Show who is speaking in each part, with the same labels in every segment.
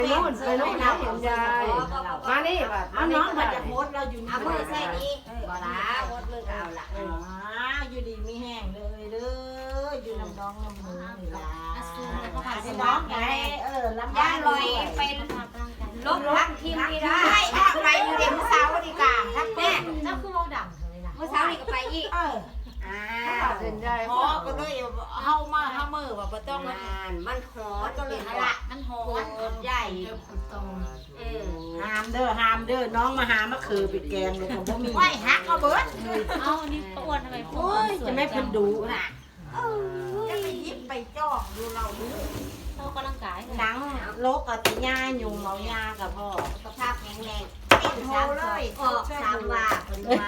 Speaker 1: นู่นนะเห็นยายมานี่แบบเอาน้องมาจะโพสเราอยู่นี่
Speaker 2: เอามือใส่นี่บ่ละโคตรมือก็เอาละ
Speaker 1: อยู่ดีไม่แห้งเลยเด้ออยู่น้ำน้องน้ำมือนี่ล่ะ
Speaker 2: ก็ผ่าน
Speaker 1: ไอ้
Speaker 2: ส
Speaker 1: น้
Speaker 2: น้
Speaker 1: อ
Speaker 2: อง ง
Speaker 1: ไง
Speaker 2: ไง
Speaker 1: ลำ
Speaker 2: ย่างลอยไปลบทักทีมนี่ได้ไปอยู่เดี๋ยวมื้อเช้าดีกว่าทักแม่
Speaker 3: เจ้าคือเว้าดังเลยนะ
Speaker 2: มื้อเช้านี่ก็ไปอีก
Speaker 1: เห็นยาย
Speaker 3: พอก็เลยเฮามือว่าบ่ต้อง
Speaker 2: มันหอมก็เลยละมันหอมใหญ่
Speaker 1: ห้ามเด้อน้องมาหามะเขือไปแกงเลยผมบ่มี
Speaker 2: ไหวฮักเอาเบิด
Speaker 3: เอาอันนี้ป้าอ้วนทำไมพู
Speaker 1: โอ้ยจะไม่เพิ่นดูน่ะ
Speaker 2: จะไปยิบไปจ้องดูเราดู
Speaker 3: เฮากำลังกาย
Speaker 1: หนังโลกกับติย่ายุงเมายากับพ่อ
Speaker 2: สุขภาพแข็งแรงเป็นโทเลยออกสามว่าเพิ่นมา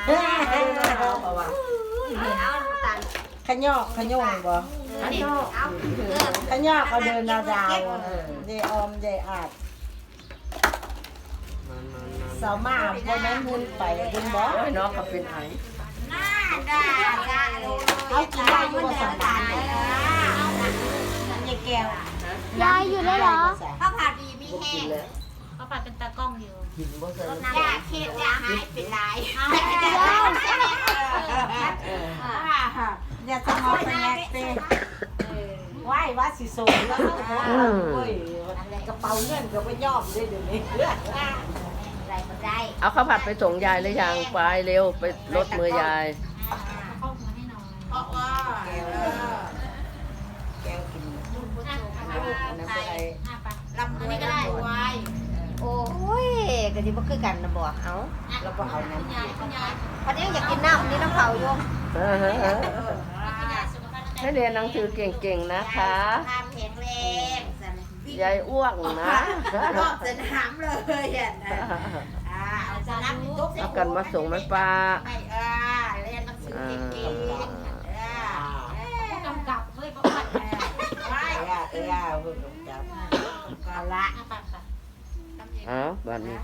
Speaker 2: เอาตัน
Speaker 1: ขยอกขยงบ่ขยอกเขาเดินดาวเดออมเดอาดสาวมาบ่แม่นหุ่นไปดึงบ่น้องก็เป็นไผ
Speaker 2: หน้าด่าเอากินได้อยู่บ่สบายยายแก้วย
Speaker 4: ายอยู่ได้เหรอ
Speaker 2: ข้าวผัดดีมีแห้ง
Speaker 3: เขาปัดเป็นตากล้องอยู่
Speaker 2: ยาเค็ดยาหายเป็นลาย
Speaker 1: อย่าสมองไปแยกเต้ไหว้ว่าสิโซนแล้วโอ้ยกระเป๋าเงินก็ไม่ยอมด้วยเดี๋ยวนี้
Speaker 2: อะไรก็ได้
Speaker 5: เอาข้าวผัดไปส่งยายหรือยังไปเร็วไปรถมือยาย
Speaker 3: เข้ามาให้น้อย
Speaker 1: เพราะว่าแกงกินน้ำไป
Speaker 2: ลำอันนี้ก็ได้ไว้โอ้ยก็ที่บ่คือกันนะบอกเอา
Speaker 1: แล้วก็เอาน้ำ
Speaker 3: ยายคุณยาย
Speaker 2: พอดีอยากกินน้ำนี่น้ำเผาอยู่
Speaker 3: คุณยายสุขภาพ
Speaker 5: ให้เรียนหนังสือเก่งๆนะคะ
Speaker 2: ภาพแข็งแรงสัน
Speaker 5: ยายอ้วกนะ
Speaker 2: รอบสนามเลยอ่ะนะเอาสนามตุ๊ก
Speaker 5: เอากันมาส่งไหมป้า
Speaker 2: ไม่เรียนหนังสือเก่ง
Speaker 3: กำกับเฮ้ยป้าอ้วน
Speaker 2: ไว้
Speaker 1: เพิ่งจับ
Speaker 2: ก็ละ
Speaker 3: ปัด
Speaker 5: อ๋อบัดนี้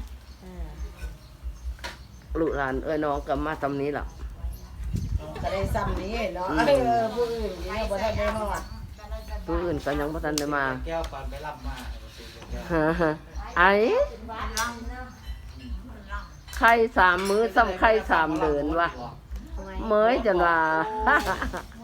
Speaker 5: ลูกหลานเอ้ยน้องก็มาตำนี้หรอ
Speaker 1: ก็ได้ซ้ำนี้เนาะผู้อื่นเนี่ยบ่ทันได้ฮอด
Speaker 5: ผู้อื่นก็ยังบ่ทันได้มา
Speaker 6: แก้วปันไปรับมา
Speaker 5: ไอ้ไข่3 มื้อซ้ำไข่3 เดือนวะเมยจนว่า